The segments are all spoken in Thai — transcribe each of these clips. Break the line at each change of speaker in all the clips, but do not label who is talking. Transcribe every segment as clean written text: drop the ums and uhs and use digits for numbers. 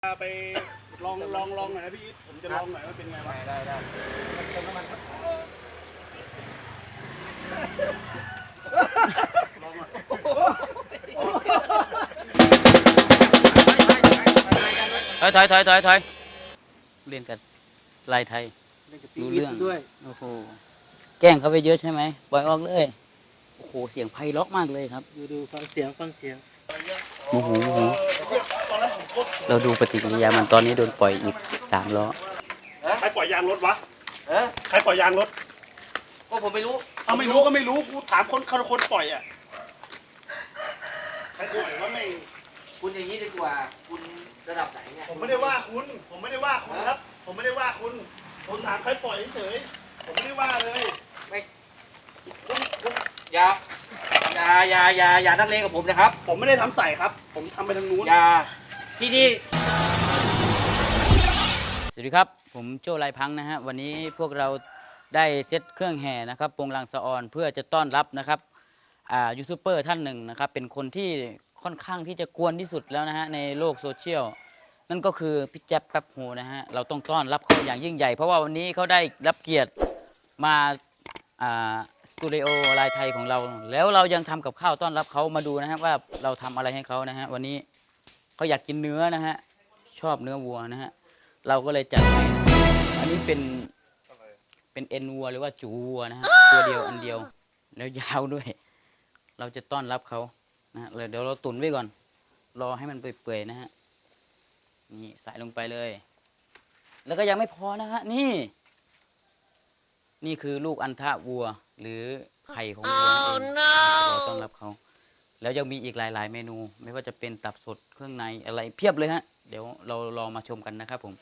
ไปลองหน่อยนะพี่ผมจะลองหน่อยว่าเป็นไงวะได้เติมน้ำมันครับลองหน่อย
ถอยเรียนกันลายไทยรู้เรื่องด้วยโอ้โหแกล้งเขาไปเยอะใช่ไหมปล่อยออกเลยโอ้โหเสียงไพเราะมากเลยครับ
ดูฟังเสียง
โอ้โหเราดูปฏิกิริยามันตอนนี้โดนปล่อยอีก3 ล้อ
ใครปล่อยยางรถวะใครปล่อยยางรถ
ก็ผมไม่รู้
เอาไม่รู้ก็ไม่รู้กูถามคนปล่อยอ่ะใครปล่อยวะไม่
คุณอย่างนี้ดีกว่าคุณระดับไหนเนี่ย
ผมไม่ได้ว่าคุณครับผมไม่ได้ว่าคุณผมถามใครปล่อยเฉยผมไม่ได้ว่าเลย
ไม่คุณอย่านักเลงกับผมนะครับ
ผมไม่ได้ทำใส่ครับผมทำไปทางนู้น
อย่าที่นี่
สวัสดีครับผมโจ้ลายพังนะฮะวันนี้พวกเราได้เซตเครื่องแห่นะครับปงลังสะออนเพื่อจะต้อนรับนะครับยูทูบเบอร์ท่านหนึ่งนะครับเป็นคนที่ค่อนข้างที่จะกวนที่สุดแล้วนะฮะในโลกโซเชียลนั่นก็คือพี่แจ๊บแป๊บโฮนะฮะเราต้องต้อนรับเขาอย่างยิ่งใหญ่เพราะว่าวันนี้เขาได้รับเกียรติมาสตูดิโอลายไทยของเราแล้วเรายังทำกับข้าวต้อนรับเขามาดูนะฮะว่าเราทำอะไรให้เขานะฮะวันนี้เขาอยากกินเนื้อนะฮะชอบเนื้อวัวนะฮะเราก็เลยจัดให้อันนี้เป็นเอ็นวัวหรือว่าจูวัวนะฮะตัวเดียวอันเดียวแล้วยาวด้วยเราจะต้อนรับเขานะเลยเดี๋ยวเราตุ๋นไว้ก่อนรอให้มันเปื่อยๆนะฮะนี่ใส่ลงไปเลยแล้วก็ยังไม่พอนะฮะนี่คือลูกอัณฑะวัวหรือไข่ของวัวเราต้อนรับเขาแล้วยังมีอีกหลายๆเมนูไม่ว่าจะเป็นตับสดเครื่องในอะไรเพียบเลยฮะเดี๋ยวเราลองมาชมกันนะครับผม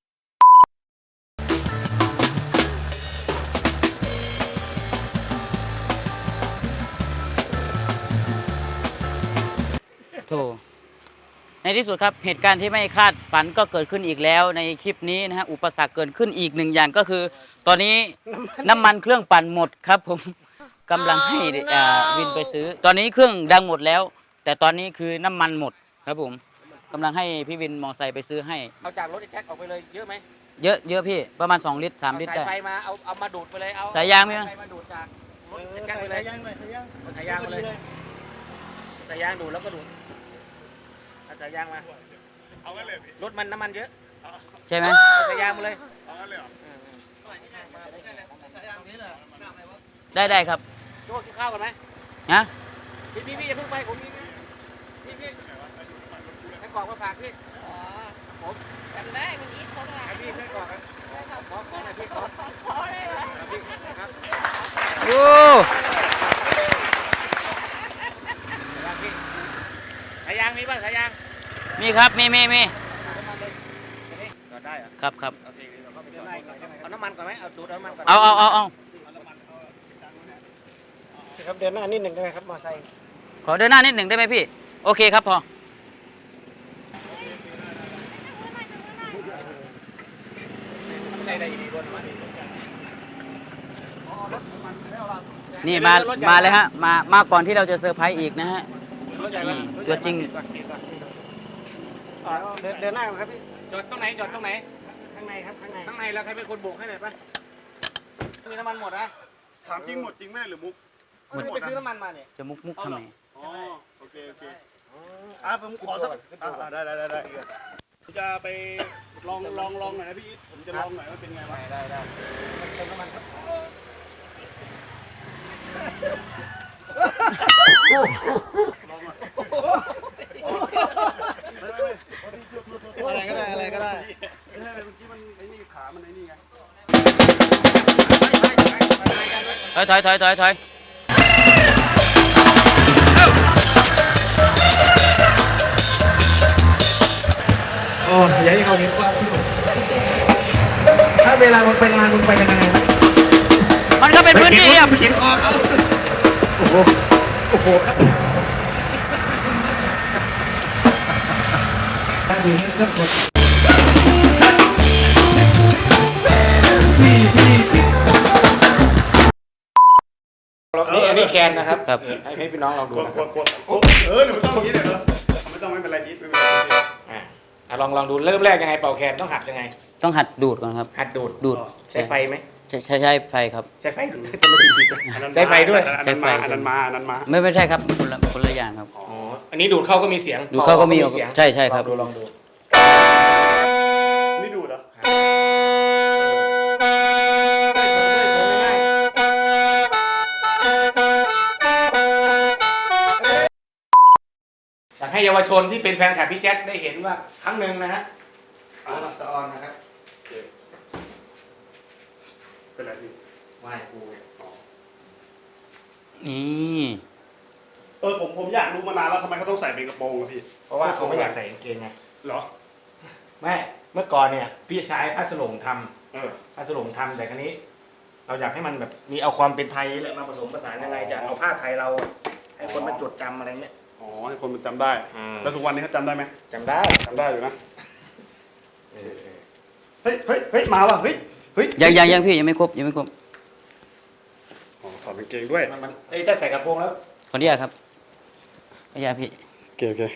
โธ่ในที่สุดครับเหตุการณ์ที่ไม่คาดฝันก็เกิดขึ้นอีกแล้วในคลิปนี้นะฮะอุปสรรคเกิดขึ้นอีก1 อย่างก็คือตอนนี้น้ำมันเครื่องปั่นหมดครับผมกำลังให้วินไปซื้อตอนนี้เครื่องดังหมดแล้วแต่ตอนนี้คือน้ำมันหมดครับผมกำลังให้พี่วินมอไซค์ไปซื้อให้
เอาจากรถไอ้แจ็คออกไปเลยเยอะไหม
เยอะพี่ประมาณ2 ลิตร 3 ลิตรได้
สายไฟมาเอามาดูดไปเลยเอา
สายยางไหม
สายไฟมาดูดจากรถไอ้แจ็คไปเลยสายยางมาเลยสายยางดูดแล้วก็ดูดเอาสายยางมา
เอางั้นเลย
รถมันน้ำมันเยอะ
ใช่ไหม
สายยางมาเลย
เอางั้นเลยเหรอ
ได้ครับ
โจ้กินข้าวกันไหม
นะ
พี่อย่าเพิ่งไปผมนี่นะพี่ให้กรอกมาฝากพี่ผม
จำได้วันนี้เขาได้
พี่ให้กรอกกันขอหน่อยพี่ขอ
ได้เลย
พี่ครับ
โอ้
สายยางมีป่ะสายยาง
มีครับมี
จอดได้เหรอ
ครับ
โอเคเราก็ไปจอดเอาน้ำมันก่อนไหมเอาดูดน้ำมันก่อน
เอา
ครับเดินหน้านิดหนึ่งได้ไหมครับมอไซค์
ขอเดินหน้านิดหนึ่งได้ไหมพี่โอเคครับพอนี่มาเลยฮะมาก่อนที่เราจะเซอร์ไพรส์อีกนะฮะนี่ตัวจริง
เดินหน้าครับพี่จอดตรงไหนข้างในครับข้างในแล้วใครเป็นคนโบกให้หน่อยป่ะมีน้ำมันหมดนะ
ถามจริงหมดจริงแม่หรือมุก
ไปซื้อน้ำมันมาเนี่ย
จะมุกทำไม
อ๋อโอเคผมขอสักได้จะไปลองหน่อยนะพี่ผมจะลองหน่อยว่าเป็นไงวะ
ได้เติมน้ำมันครับ
ลองหน่อย
อะไรก็ได้
ไม่ใช่เมื่อกี้มันไอ้นี่ขามันไอ้นี่ไง
ถอย
โอ้ยอย่าให้เขาเห็นความถ้าเวลามึงไปงานมึงไปยังไง
มันก็เป็นพื้นที่อ่ะ
เขียนคอเขาโอ้โหดูเรื่องกดนี่อันนี้แคนนะครับให้พี่น้องลองดูนะครับ
เดี๋ยวมันต้องอย่างนี้เลยเหรอไม่ต้องไม่เป็นไรนิดไม่เป็นไร
ลองดูเริ่มแรกยังไงเป่าแคนต้องหัดยังไง
ต้องหัดดูดก่อนครับ
หัดดูด
ดูด
ใช้ไฟไหม
ใช้ไฟครับ
ใช้ไฟดูดจะไม่ติด
อันนั้น
ใช้ไฟด้วย
อันนั้นมาอันนั้นมา
ไม่ใช่ครับคนละอย่างครับ
อ๋ออันนี้ดูดเข้าก็มีเสียง
ดูดเข้าก็มี
เสียง
ใช่ครับ
ลองดู
นี่ดูดเหรอ
อยากให้เยาวชนที่เป็นแฟนคลับพี่แจ็คได้เห็นว่าครั้งหนึ่งนะฮะเอาหลักสะออนนะครับ
เป็นไรพี่
ไหว้ครู
นี่
ผมอยากรู้มานานแล้วทำไมเขาต้องใส่เป็นกระโปรงอะพี่
เพราะว่าเขาไม่อยากใส่กางเกงไง
เหรอ
ไม่เมื่อก่อนเนี่ยพี่ชายผ้าสลงท
เออ
ำผ้าสลงทำแต่ครั้นี้ เราอยากให้มันแบบมีเอาความเป็นไทยแหละมาผสมผสานยังไงจะเอาผ้าไทยเราให้คนมาจดจำอะไรเงี้ย
อ๋อให้คนมันจำได้ แล้วทุกวันนี้เขาจำได้ไหม
จำได้
จำได้อยู่นะเฮ้ยมาว่ะเฮ้ย
ยังพี่ยังไม่ครบ
อ๋อถอดกางเกงด้วย
มันถ้าใส่กระโปรงแล้ว
ขออนุญาตครับขออนุญาตพี่
โอเค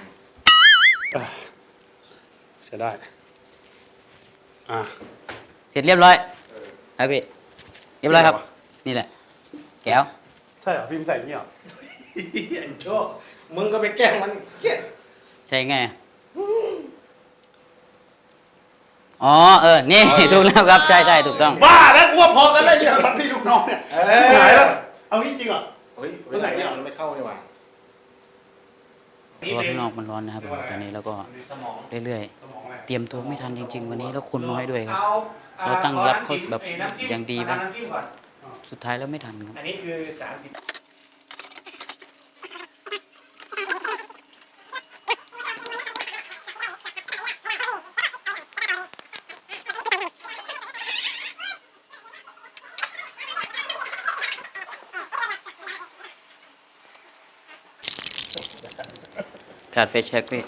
ใช้ได้อ่า
เสร็จเรียบร้อยครับพี่เรียบร้อยครับ นี่แหละแก้ว
ใช่เหรอพี่ไม่ใส่อย่างนี้เหรอ
ไอ้โจ้มึงก็ไปแกล้งมันเกลียด
ใช่ไงอ๋อนี่ ถูกแล้วครับใช่ถูกต้อง
บ้าแล้วกูว่าพอกันแล้วเนี่ยทำที่ลูกน้องเนี่ยหายแล้วเอาจริงเหรอ
เฮ้ยไม่ไหนเนี่ยมันไม่เข้านี่หว่า
เพราะว่าข้างนอกมันร้อนนะครับผมตอนนี้แล้วก็
สมอง
เรื่อย
สมองอะไร
ๆเตรียมตัวไม่ทันจริง ๆ วันนี้แล้วคนน้อยด้วยครับ เราตั้งรับเขาแบบอย่างดี
ไป
ปะ
น้ำจิ้มก่อน
สุดท้ายแล้วไม่ทันครับ
อันนี้คือ30
ขาดไฟแช็กพี่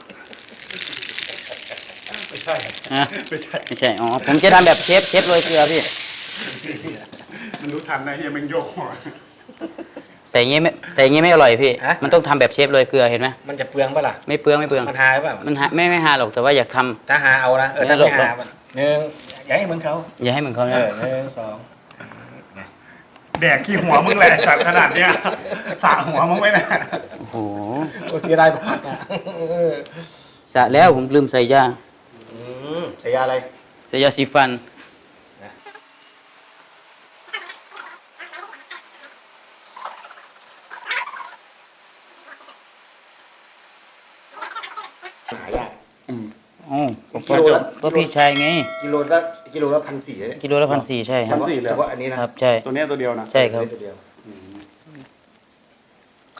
ไม่ใช่
ฮะ
ไม่ใช่
ไม่ใช่อ๋อผมจะทำแบบเชฟโรยเกลือพี่
มันรู้ทันนะเฮียแมันโยกหัว
ใส่อย่างงี้ไม่อร่อยพี่ มันต้องทำแบบเชฟโรยเกลือเห็นไหม
มันจะเปลืองปะล่ะ
ไม่เปลือง
มันหายเปล่า
มันไม่หาหรอกแต่ว่าอยากทำ
ถ้าหาเอานะถ้าไม่หาหนึ่งอย่าให้เหมือนเขา
อย่าให้เหมือนเขานะ
หนึ่งสอง
แดกขี้หัวมึงแหละสัตว์ขนาดเนี้ยสระหัวมึงไม่น่ะ
โอ้โห
โอ้เสียดายมากอ่ะ
สระแล้วผมลืมใส่ยา
ใช้ยาอะไร
ใส่ยาสีฟัน
หายาก
อ๋อผมก็พี่ชายไง
กิโลละ1,400เนี่ย
กิโลละ1,400ใช่ครับ
เฉพาะอันนี้นะครับ
ใช่
ตัวเนี้ยตัวเดียวนะ
ใช่ครับ
ตัวเดียว
ขา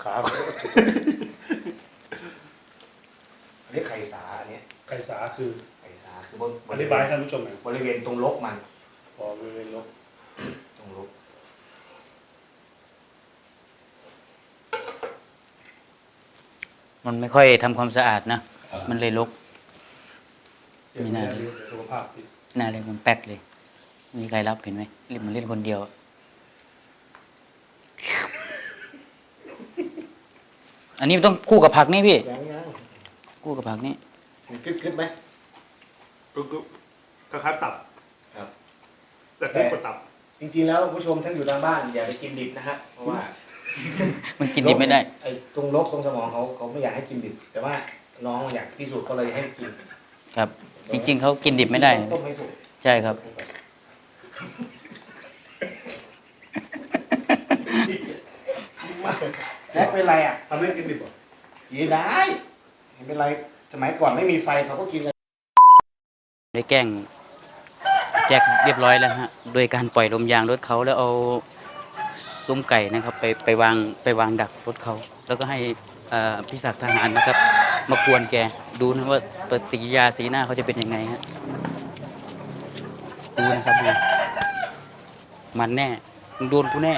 อันนี้ไข่สาอันนี้
ไข่สาคือ
ไข่สาคือบน
อธิบายให้ท่านผู้ชมหน่อย
บริเวณตรงลกมัน
พอบริเวณลบ
ตรงลก
มันไม่ค่อยทำความสะอาดนะ มันเลยรก
เสียงเนี่ยดีสุขภาพดี
น่าเลยมันแป๊กเลย มีใครรับเห็นไหมมันเล่นคนเดียว อันนี้มันต้องคู่กับผักนี่พี่
ยัง
คู่กับผักนี่
มันกึดไหม
ก็คล้ายๆตับ
ครับ
แต่นี่กว่าตับ
จริงๆแล้วผู้ชมท่านอยู่ทางบ้านอย่าไปกินดิบนะฮะเพราะว่า
มันกินดิบไม่ได้
ไอ้ตรงลกตรงสมองเขาไม่อยากให้กินดิบ แต่ว่าน้องอยากพิสูจน์ก็เลยให้กิน
ครับ จริง ๆเขากินดิบไม่ได้
ต้มไม่สุก
ใช่ครับ
แล้เป็นไรอ่ะ
ทำให้กินดิบเหรอ
กินได้ไม่เป็นไรสมัยก่อนไม่มีไฟเขาก็กินกัน
ได้แกล้งแจ็คเรียบร้อยแล้วฮะ โดยการปล่อยลมยางรถเขาแล้วเอาซุ้มไก่นะครับไปวางดักรถเขา แล้วก็ให้พี่ศักดิ์ทหารนะครับ มากวนแกดูนะว่าปฏิกิริยาสีหน้าเขาจะเป็นยังไงฮะดูนะครับดูมันแน่มึงโดนกูแน่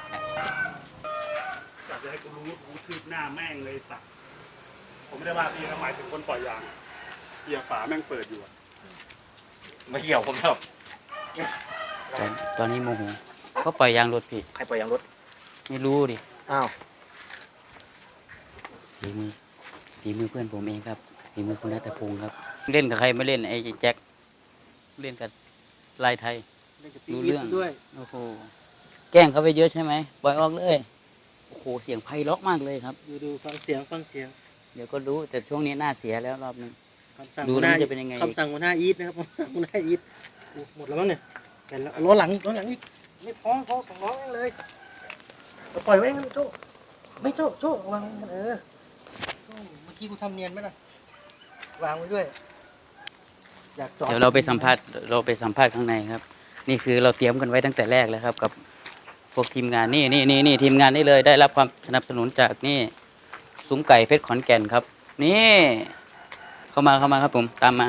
อยากจะให้กูรู้คืบหน้าแม่งเลยสัตว์ผมไม่ได้ว่าพี่นะหมายถึงคนปล่อยยางเกียร์ฝาแม่งเปิดอยู่อะ
ไม่เกี่ยวผมหรอก
ตอนนี้โมโหก็ปล่อยยางรถพี่
ใครปล่อยยางรถ
ไม่รู้ดิ
อ้าว
ฝีมือเพื่อนผมเองครับฝีมือคุณรัตพงศ์ครับเล่นกับใครไม่เล่นไอ้แจ็คเล่นกับลายไทย
เล่นกับ
รู้
พี่
เรื่อง
ด้วย
โอ้โหแกล้งเขาไปเยอะใช่ไหมปล่อยออกเลยโอ้โหเสียงไพเราะมากเลยครับ
ดูฟังเสียง
เดี๋ยวก็รู้แต่ช่วงนี้หน้าเสียแล้วรอบนึง
คำสั่ง
ดู
หัวห
แล้ว
น้า
มันจะเป็นยังไง
คำสั่งหัวหน้าอีทนะครับคำสั่งหัวหน้าอีทหมดแล้วมั้งเนี่ยแต่แล้วล้อหลังอีกไม่พอสองล้อเลยปล่อยไว้งั้นโจ้ไม่โจ้วางโจ้เมื่อกี้กูทำเนียนไหมล่ะวางไว้ด้วยอยากจอด
เดี๋ยวเราไปสัมภาษณ์ข้างในครับ นี่คือเราเตรียมกันไว้ตั้งแต่แรกแล้วครับ กับพวกทีมงานนี่ทีมงานนี่เลยได้รับความสนับสนุนจากนี่ซุ้มไก่เพชรขอนแก่นครับ นี่เข้ามาครับผมตามมา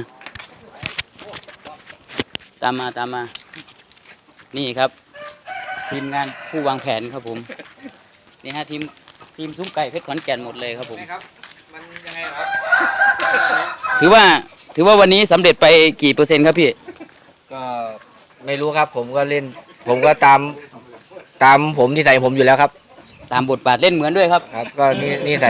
นี่ครับ ทีมงานผู้วางแผนครับผมนี่ฮะทีมซุ้มไก่เพชรขอนแก่นหมดเลยครับผม
ครับมันยังไงครับ
ถือว่าวันนี้สำเร็จไปกี่เปอร์เซ็นต์ครับพี่
ก็ไม่รู้ครับผมก็เล่น ผมก็ตามผมนิสัยผมอยู่แล้วครับ
ตามบทบาทเล่นเหมือนด้วยครับ
ครับ ก็นิสัย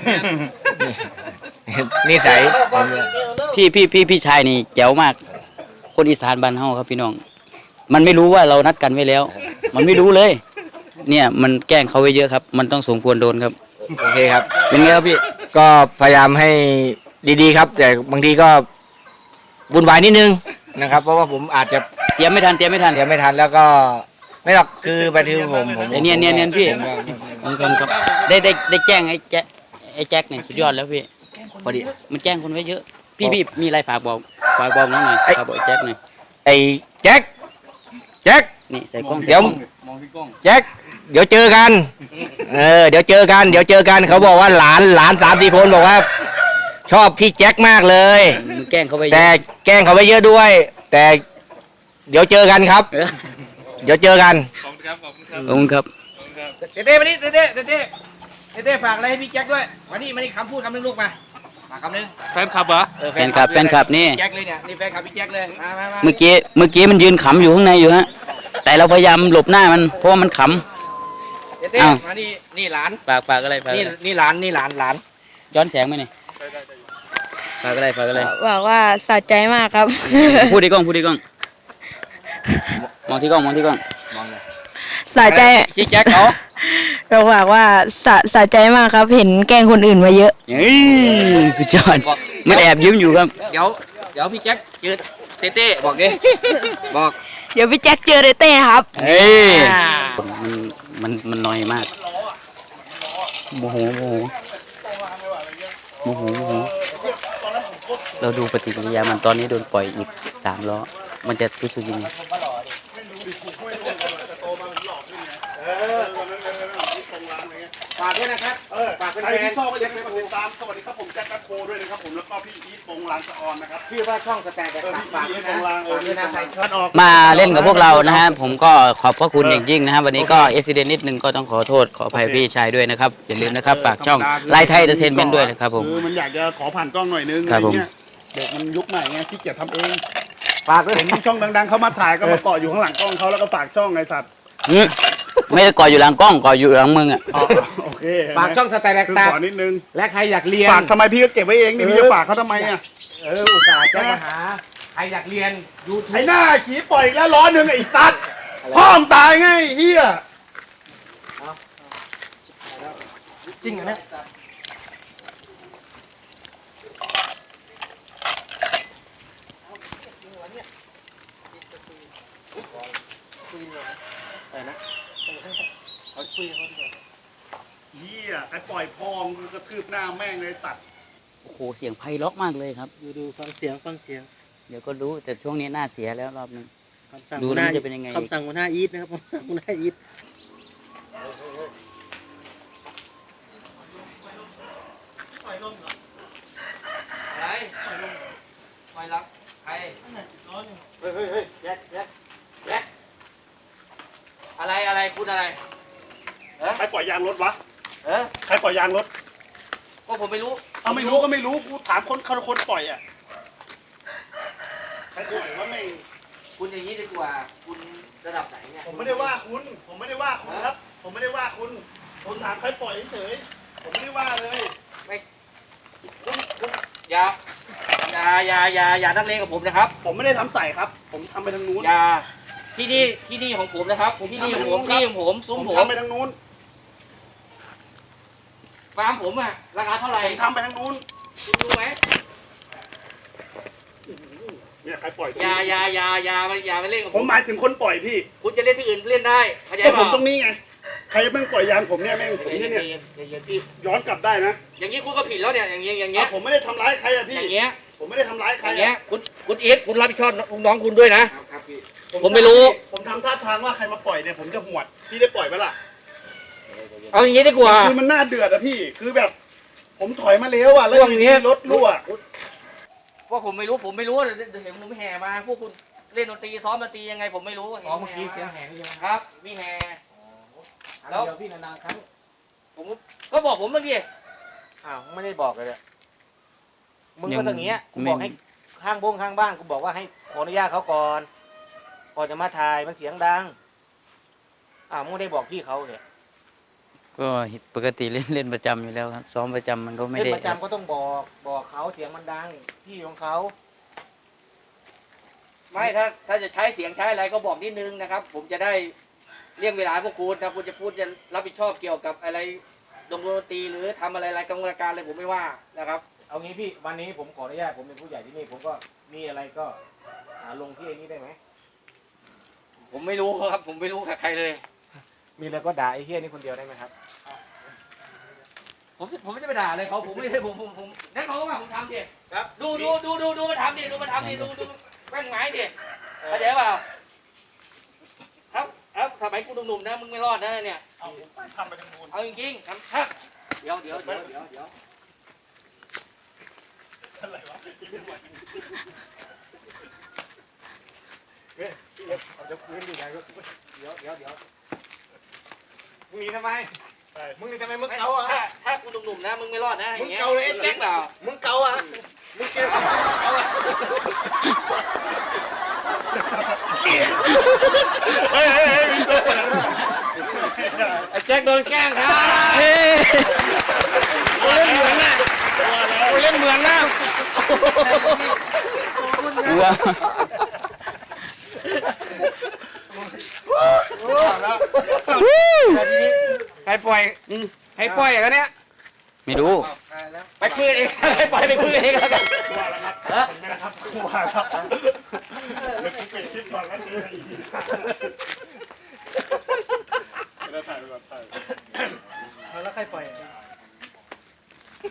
นิสัยผมเนี่ย
พี่ชายนี่แจ๋วมาก คนอีสานบ้านเฮาครับพี่น้อง มันไม่รู้ว่าเรานัดกันไว้แล้ว มันไม่รู้เลย เนี่ยมันแกล้งเขาไว้เยอะครับ มันต้องสมควรโดนครับ
โอเคครับ
เป็นไงครับพี่
ก็พยายามให้ดีๆครับ แต่บางทีก็วุ่นวายนิดนึงนะครับ เพราะว่าผมอาจจะ
เตรียมไม่ทัน
เดี๋ยวไม่ทันแล้วก็ไม่หรอกคือไปที่ผม
ไอ้เนียนพี่
ผมก็
ครับได้แจ้งไอ้แจ็คเนี่ยสุดยอดแล้วพี่พอดีมันแจ้งคนไว้เยอะ พี่มีอะไรฝากบอกน้องหน่อยฝากบอกไอ้แจ็คหน่อย
ไอ้แจ็ค
นี่ใส่กล้อง
เดี๋ยวแจ็คเดี๋ยวเจอกันเดี๋ยวเจอกันเขาบอกว่าหลาน3-4 คนบอกว่า ชอบพี่แจ็คมากเลย
มึงแกล้งเขาไว้เย
แต่
อะ
แกล้งเขาไปเยอะด้วย แต่เดี๋ยวเจอกันครับ
เออ
เดี๋ยวเจอกัน
ขอบคุณครับ
เต้มานี่เต้ฝากอะไรให้พี่แจ็คด้วยมานี่คำพูดคำนึงลูกมาคำนึง
แฟนคลับเหรอ
แฟนคลับนี่
แจ็คเลยเนี่ยนี่แฟนคลับพี่แจ็คเลยมา
เมื่อกี้มันยืนขำอยู่ข้างในอยู่ฮะ แต่เราพยายามหลบหน้ามันเพราะว่ามันข
เต้
อ้าว
มานี่หลาน
ำฝากอะไร
นี่หลาน
ย้อนแสงไหมนี่ฝากอะไร
บอกว่าสะใจมากครับ
พูดที่กล้องมองที่กล้อง
สะใจ
ชี้แจ็คเขา
เราบอกว่าสะใจมากครับ เห็นแกล้งคนอื่นมาเยอะ
เฮ้ยสุดยอดมันแอบยิ้มอยู่ครับ
เดี๋ยวพี่แจ็คเจอเต้บอกดิบอก
เดี๋ยวพี่แจ็คเจอเต้ครับ
เฮ้ยมันน้อยมากโมโหเราดูปฏิกิริยามันตอนนี้โดนปล่อยอีก3 ล้อ มันจะรู้สึกยังไง
ฝากด้วยนะครับฝากแฟ
ใครที่
น
ชอบก็อย่าลืมกดติดตามสวัสดีครับผมแจ็คแป๊บโคด้วยนะครับผมแล้วก็พี่อีทปงลางสะออนนะครับ
ชื่อว่าช่องสแตนด์
พี่
ฝาก
อี
ด้ว
ท
ย
ป
นะ
งลาง
ด้วยนะใครชอบ
ออก
มาเล่นกับพวกเรานะฮะผมก็ขอบพระคุณอย่างยิ่งนะฮะวันนี้ก็เอซิเดนนิดนึงก็ต้องขอโทษขออภัยพี่ชายด้วยนะครับอย่าลืมนะครับฝากช่องไลท์ไทยเอนเตอร์เทนเมนต์ด้วยนะครับผม
มันอยากจะขอผ่านกล้องหน่อยนึง
ครับผม
เด็กมันยุคใหม่ไงขี้เกียจทำเอง
ฝากด้วย
เห็นช่องดังๆเขามาถ่ายก็มาเกาะอยู่ข้างหลังกล้องเขาแล้วก็ฝากช่องไอ้สัตว์
ไม่ได้ก่ออยู่หลังกล้องก่ออยู่หลังมึงอ่ะ
โอเค
ฝากช่องสแตนด์
คือ
ตา
ขอนิดนึง
และใครอยากเรียน
ฝากทำไมพี่ก็เก็บไว้เองนี่พี่จะฝากเขาทำไมอ่ะ
อุตส่าห์แจ้งมาหาใครอยากเรียนยูทู
ไอ้
บ
หน้าขี้ปล่อยอีกแล้วล้อหนึ่งไอ้สัตว์พ่อมงตายไงไอ้เฮีย
จริงเหรอเนี่ยเขาคุยเขาดีกว่า
เฮียไอ้ปล่อยพองกระทืบหน้าแม่งเลยตัด
โอ้โหเสียงไพเราะมากเลยครับ
ดูฟังเสียง
เดี๋ยวก็รู้แต่ช่วงนี้หน้าเสียแล้วรอบนึง
คำสั่ง
ดู
หัวห
แล้ว
น้า
มันจะเป็นยังไง
คำสั่งหัวหน้าอีทนะครับผมหัวหน้าอีท
อะไรคอยรักใคร
เฮ้ยแจ็ค
อะไรพูดอะไร
ใครปล่อยยางรถวะ
เออ
ใครปล่อยยางรถ
ก็ผมไม่รู้
เอาไม่รู้ก็ไม่รู้กูถามคนปล่อยอ่ะใครปล่อยว่าแม่ง
คุณอย่างนี้ดีกว่าคุณระดับไหนเนี่ย
ผมไม่ได้ว่าคุณครับ ผมไม่ได้ว่าคุณผมถามใครปล่อยเฉยๆผมไม่ได้ว่าเลย
คุณอย่าอย่านักเลงกับผมนะครับ
ผมไม่ได้ทำใส่ครับ ผมทำไปทางนู้น
อย่าที่นี่ของผมนะครับที่นี่ของผมที่ของผมซุ้มผม
ทำไปทางนู้น
ฟาร์มผมอะราคาเท่าไหร่
ผมทำไปทางนู้น
คุณรู้ไหม
เนี่ยใครปล่อย
อย่ามาเล่นกับ
ผ
ผม ม
หมายถึงคนปล่อยพี่
คุณจะเล่นที่อื่นเล่นได้เข้าใจ
ก็
เป
ผม
ล่า
ตรงนี้ไงใครแม่งปล่อยยางผมเนี่ยแม่งผมเนี่ยย้อนกลับได้นะ
อย่างนี้คุณก็ผิดแล้วเนี่ยอย่างเงี้ย
ผมไม่ได้ทำร้ายใครอะพี่
อย่างเงี้ย
ผมไม่ได้ทำร้ายใคร
อย่างเงี้ย
อะ
คุณอีทคุณรับผิดชอบน้องคุณด้วยนะ ผมไม่รู้
ผมทำท่าทางว่าใครมาปล่อยเนี่ยผมจะหวดพี่ได้ปล่อยไหมล่ะ
เอาอย่างงี้ดีกว่า
คือมันน่าเดือดอะพี่คือแบบ ผมถอยมาแล้วอะแล้วอ
พวก
ยู่
เนี้
ดี
ย
รถรั่ว
พวกผมไม่รู้เห็นผมแห่มาพวกคุณเล่นดนตรีซ้อมดนตรียังไงผมไม่รู้เห็น
เมื่อกี้เสียงแหงใช่ไหม
ครับมีแห่
ครั้งเดียวพี่นานๆครั้ง
ผมก็บอกผมเมื่อกี้
อ้าวไม่ได้บอกเลยเนี่ยมึงก็อย่างเงี้ยกูบอกให้ข้างบ้านกูบอกว่าให้ขออนุญาตเขาก่อนก่อนจะมาถ่ายมันเสียงดังอ้าวมึงไม่ได้บอกพี่เขาเนี่ย
ก็ปกติเล่นประจำอยู่แล้วครับซ้อมประจำมันก็ไม่
เล่น
ได้
ประจำก็ต้องบอกเขาเสียงมันดังที่ของเขา
ไม่ถ้าจะใช้เสียงใช้อะไรก็บอกนิดนึงนะครับ ผมจะได้เลี่ยงเวลาให้พวกคุณถ้าคุณจะพูดจะรับผิดชอบเกี่ยวกับอะไรดนตรีหรือทำอะไรกรรมการอะไรผมไม่ว่านะครับ
เอางี้พี่วันนี้ผมขออนุญาตผมเป็นผู้ใหญ่ที่นี่ผมก็มีอะไรก็ลงที่ไอ้นี้ได้ไหม
ผมไม่รู้ครับ ผมไม่รู้กับใครเลย
มีอะไรก็ด่าไอ้เฮี้ยนี่คนเดียวได้ไหมครับ
ผมไม่ได้ไปด่าเลยเขาผมไม่ได้ผมนั่นเขาก็มาผมทำดิ
ครับ
ดูมาทำดิดูแม่งไม้ดิเข้าใจเปล่าครับสมัยกูหนุ่มๆนะมึงไม่รอดนะเนี่ย
เอาผมไปทำไปทางนู้น
เอาจริงๆทำชักเดี๋ยว
อะไรวะ
เอาจะพื้นดีไงก็เดี๋ยวมึงหนีทำไมมึงหนีทำไมมึงเกาอ่ะ
ถ้ากูหนุ่มๆนะมึงไม่รอดนะอย่างเงี้ย
มึงเกาเลยไอ้แจ็ค
เปล่า
มึงเกาอ่ะมึงเกาอ่ะ
เฮ้ยมีตัว
ไอ้แจ็คโดนแกล้งครับ
กูเล่นเหมือนนะ
ว้าว
แต่ทีนี้ใครปล่อยอย่างเนี้ย
ไม่รู้
ไปคุยเองไปปล่อยไปคุยเองแล้วกัน
ว่าแล้วครับ
ฮะ
เห็นไหมนะครับว่าครับ